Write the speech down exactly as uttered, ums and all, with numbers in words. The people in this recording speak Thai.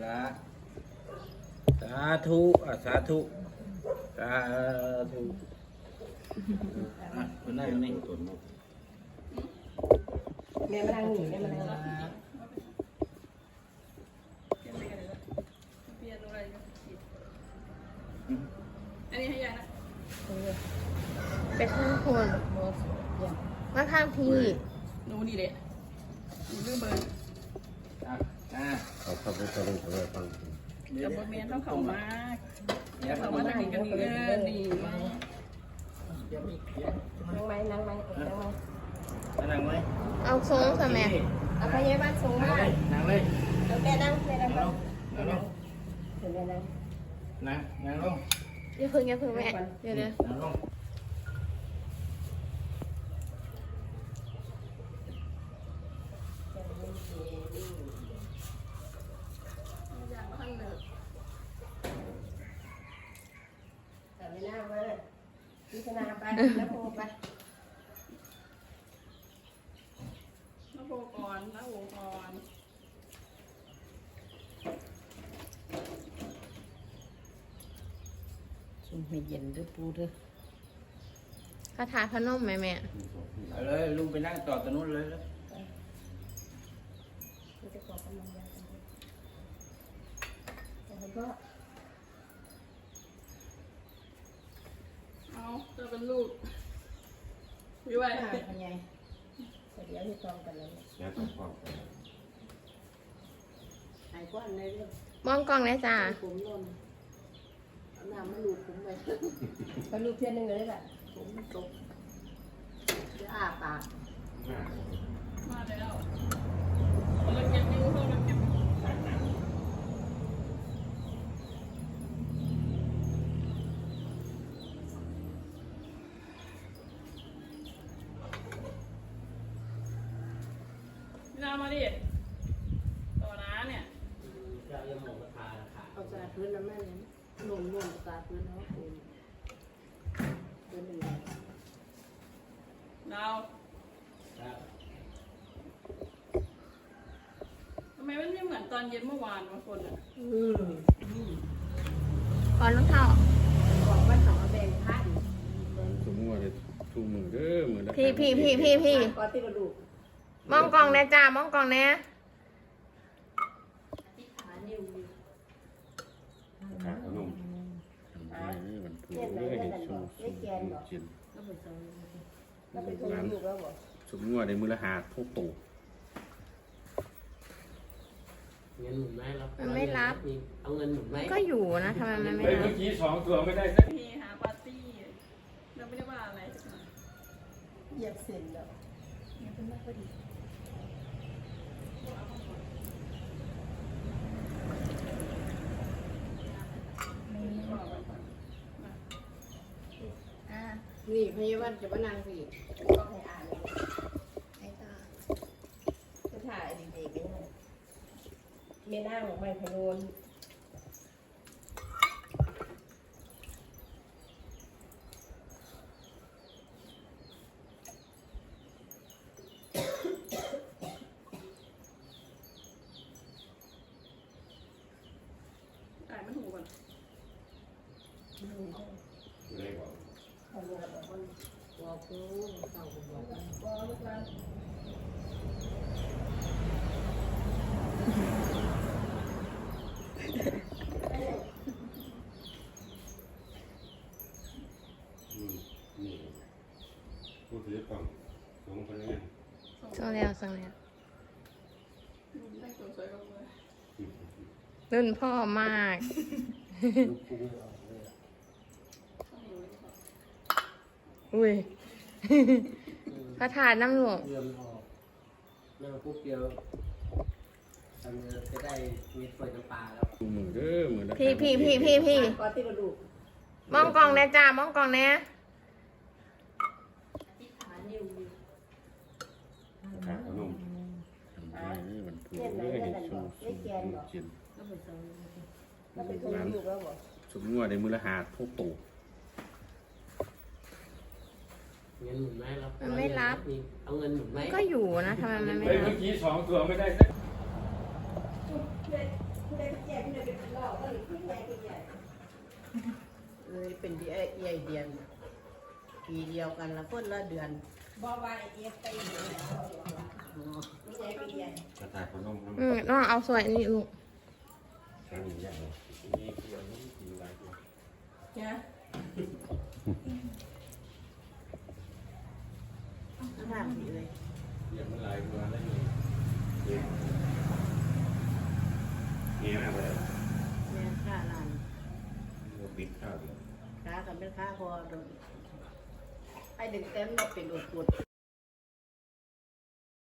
ละสาธุอ่ะสาธุสาธุอ่ะคนนั่งนี่ตัวนู้นแม่มานั่งหนีแม่มานั่งหนีอันนี้ให้ยายนะไปข้างคนมาข้างพี่หนูนี่แหละหนูเรื่องเบอร์อ่ะอ่ะเอาเข้าไปตะลุยตะลุยฟังกับบอร์เมียนต้องเข้ามาเดี๋ยวเข้าเขามามาทางนี้กันนี่เออนี่มาเดี๋ยวมีเดี๋ยวนั่งไหมนั่งไหมเออนั่งไหมมานั่งไหมเอาทรงสมัยเอาพยาบาลส่งนั่งมาเลยนั่งเลยเอาแม่นั่งแม่นั่งนั่งลนั่งงนั่งลงเดี๋ยวแม่นั่งนั่งนั่งลงอย่าพึ่งอย่าพึ่งแม่เดี๋ยวเดี๋ยวนั่งลงยายมาข้างหนึ่งแต่ไม่น่ามาพิจารณาไปแล้วโทรไปน้าโบก่อนน้าโบก่อนซุ่มให้เย็นด้วยปูด้วยคาถาพนมไหมแม่เอาเลยลุงไปนั่งต่อตรงนู้นเลยแล้วมันจะขอกำลังยากันด้วยแต่ก็เอาเจอเป็นลูกวิวไว้หายเป็นไงเดี๋ยวที่ตองกันแล้วงานต้องความหายก้อนในเรื่องมองกล้องเลยจ้าผมนอนเอาน้ำมาลูบผมไปไปลูบเพี้ยนหนึ่งเลยแหละผมมันตกจะอ้าปากมาแล้วเราเก็บนิ้วเราเก็บน้ามาดิต่อน้าเนี่ยเอาสาดพื้นแล้วแม่เนี่ยหนุ่มหนุ่มสาดพื้นแล้วคุณพื้นหนึ่งดาวทำไมมันไม่เหมือนตอนเย็นเมื่อวานบางคนอ่ะอืมก่อนรองเท้าบอกว่าสองแบ่งพันสมมติว่าเลยทุ่มมือเด้อมือละพี่พี่พี่พี่พี่ก็ที่กระดูกมองกล้องเลยจ้ามองกล้องเนี่ยที่ขานิ้วนิ้วขาขนมนี่มันผูกเลยเห็นสูงสูงจินแล้วไปสองแล้วไปทุลูกแล้วบอกสมมติว่าในมือละหาทุกตู่เงินหมุนไหมรับมันไม่รับเอาเงินหมุนไหมก็อยู่นะทำไมมันไม่เฮ้ยรัเมื่บอกี้สองตัวไม่ได้สักเฮฮาปาร์ตี้เราไม่ได้ว่าอะไรสักหน่อยเหยียบเส้นแล้วเนี่ยเป็นมากพอดีอ่านี่พยาบาลจะมานั่งสิก็ให้อ่านเลยไอ้ตาจะถ่ายเด็กๆนี่เมียนั่งไม่พะโลนอ่านไม่ถูกก่อนเลยบอกเขาเรียกว่าคนบอกกูเขาบอกว่านี่ผู้ถือกล่องสองคนนี้ส่งแล้วส่งแล้วแต่งตัวสวยกับเลยรุ่นพ่อมาก อุ้ย คาถาน้ำหลวงเงินออกนั่งปุ๊บเดียวทำเงินจะได้มีเปิดน้ำปลาแล้วทุ่มมือเด้อมือละพี่พี่พี่พี่พี่ก็ที่กระดูกมองกล้องเนี่ยจ้ามองกล้องเนี่ยที่ขานิ้วนิ้วขาขนมนี่มันผูกเลยเห็นสูงสูงจินแล้วไปสองแล้วไปทุลูกแล้วบอกสมมติว่าในมือละหาทุกตู่เงินหมุนไหมรับมันไม่รับเอาเงินหมุนไหมก็อยู่นะทำไมมันไม่เฮ้ยรัเมื่บอกี้สองตัวไม่ได้สักเด็กผู้ใดเป็นแก่ผู้ใดเป็นเหล่าก็หรือผู้ใดเป็นใหญ่เลยเป็นดีไอเอเดือนปีเดียวกันละคนละเดือนบ่ว่าไอ้เอฟไปอยู่แล้วผู้ใดเป็นใหญ่กระต่ายขนมอืมน้องเอาสวยอันนี้ลูกใช้ใหญ่นี่เกี่ยวนี่มีหลายตัวนะทางดีเลยเกี่ยวมันหลายตัวแล้วนี่เงี้ยเงี้ยอะไรแม่ค่าลานเราปิดข้าวเดียวค้ากันเป็นค้าพอโดนไอ้ดึงเต็มเราเป็นอดปวด